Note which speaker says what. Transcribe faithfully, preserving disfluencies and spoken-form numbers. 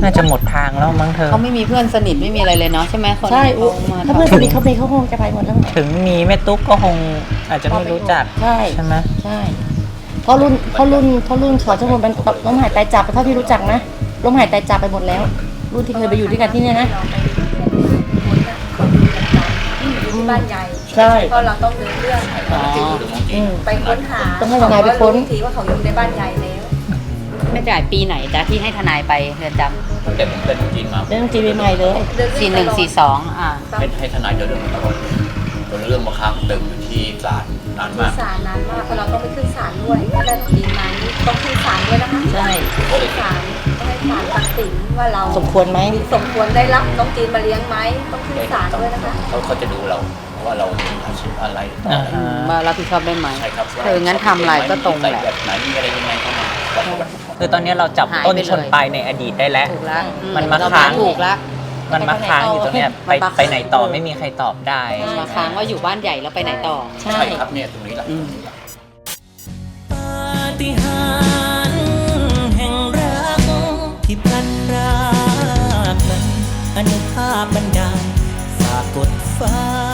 Speaker 1: น่าจะหมดทางแล้วมั้งเธอ
Speaker 2: เขาไม่มีเพื่อนสนิทไม่มีอะไรเลยเนาะใช่ไหมคน
Speaker 3: ใช่
Speaker 2: ที่เขามา
Speaker 3: ถ้าเพื่อนสนิทเขาไปเขาคงจะไปหมดแล้ว
Speaker 1: ถึงมีแม่ตุ๊กก็คงอาจจะไม่รู้จัก
Speaker 3: ใช่
Speaker 1: ใช่ไหม
Speaker 3: ใช่เพราะรุ่นเพราะรุ่นเพราะรุ่นขอทั้งหมดมันล้มหายตายจากเท่าที่รู้จักนะล้มหายตายจากไปหมดแล้ว รุ่นที่เคยไปอยู่ด้วยกันที่เนี่ยนะ
Speaker 4: ที่บ้านใหญ่
Speaker 3: ใช่
Speaker 4: เพราะเราต้องเดินเรื่อง
Speaker 3: อืม
Speaker 4: ไปค้นหา
Speaker 3: ต้องให้ทนายไปค้น
Speaker 4: ทีว่าเขาอยู่ในบ้านใหญ่แล้ว
Speaker 2: ไม่จ่ายปีไหนจ้ะที่ให้ทนายไปเรือนจ
Speaker 5: แต่ผมเป็นจีนมา
Speaker 3: เรื่องจีนใหม่เลย
Speaker 4: เดิน
Speaker 2: ำ
Speaker 4: เรื่
Speaker 2: สี่
Speaker 4: อง
Speaker 2: หนึ่ง
Speaker 4: ตลอด
Speaker 2: สี่สองอ่า
Speaker 5: ให้ให้ทนายเดินเรื่องมาตลอดจนเรื่องมาค้างตึงอยู่ที่ศาลนาน
Speaker 4: ขึ้
Speaker 5: มาน ก
Speaker 4: ศาลนานมากเพราะเราต้องไปขึ้นศาลด้วยถ้าได้ต้องกินมานี่ต้องขึ้นศาลด้วยนะคะ
Speaker 3: ใช่
Speaker 4: ขึ้นศาลต้องให้ศาลตัดสินว่าเรา
Speaker 3: สมควรไหม
Speaker 4: สมควรได้รับน้องจีนมาเลี้ยงไหมต้องขึ้นศาลด้วยนะคะ
Speaker 5: เขาเขาจะดูเราว่าเรามีอาชีพอะไรต่อ
Speaker 1: อ่า
Speaker 5: อะไร
Speaker 2: อืมว่ารับผิดชอบได้ไหม
Speaker 5: ใช่ครับ
Speaker 2: เอองั้นทำอะไรก็ตรงแหละ
Speaker 5: ใส่แบบไหนมีอะไรยังไงเข้ามาวัดวัด
Speaker 1: คือตอนนี้เราจับ
Speaker 2: หาย
Speaker 1: ต้น
Speaker 2: ไปเลย
Speaker 1: ชนปลายในอดีตได้แล้ว
Speaker 2: ถูกแล้วอื
Speaker 1: มันมา
Speaker 2: เร
Speaker 1: ค้าง
Speaker 2: ถูกแล้ว
Speaker 1: มันมาค้างอยู่ตรงเนี้ยไป
Speaker 2: มันมา
Speaker 1: ไปไหนต่อไม่มีใครตอบได้
Speaker 2: มาค้างว่าอยู่บ้านใหญ่แล้วไปไหนต่อ
Speaker 3: ใช่
Speaker 5: ใช่ครับเนี่ยตรงนี้แหละ
Speaker 2: อืม
Speaker 6: ปาฏิหาริย์แห่งรักที่พลันพรากนั้นอนุภาพบันดาลฝากกดฟ้า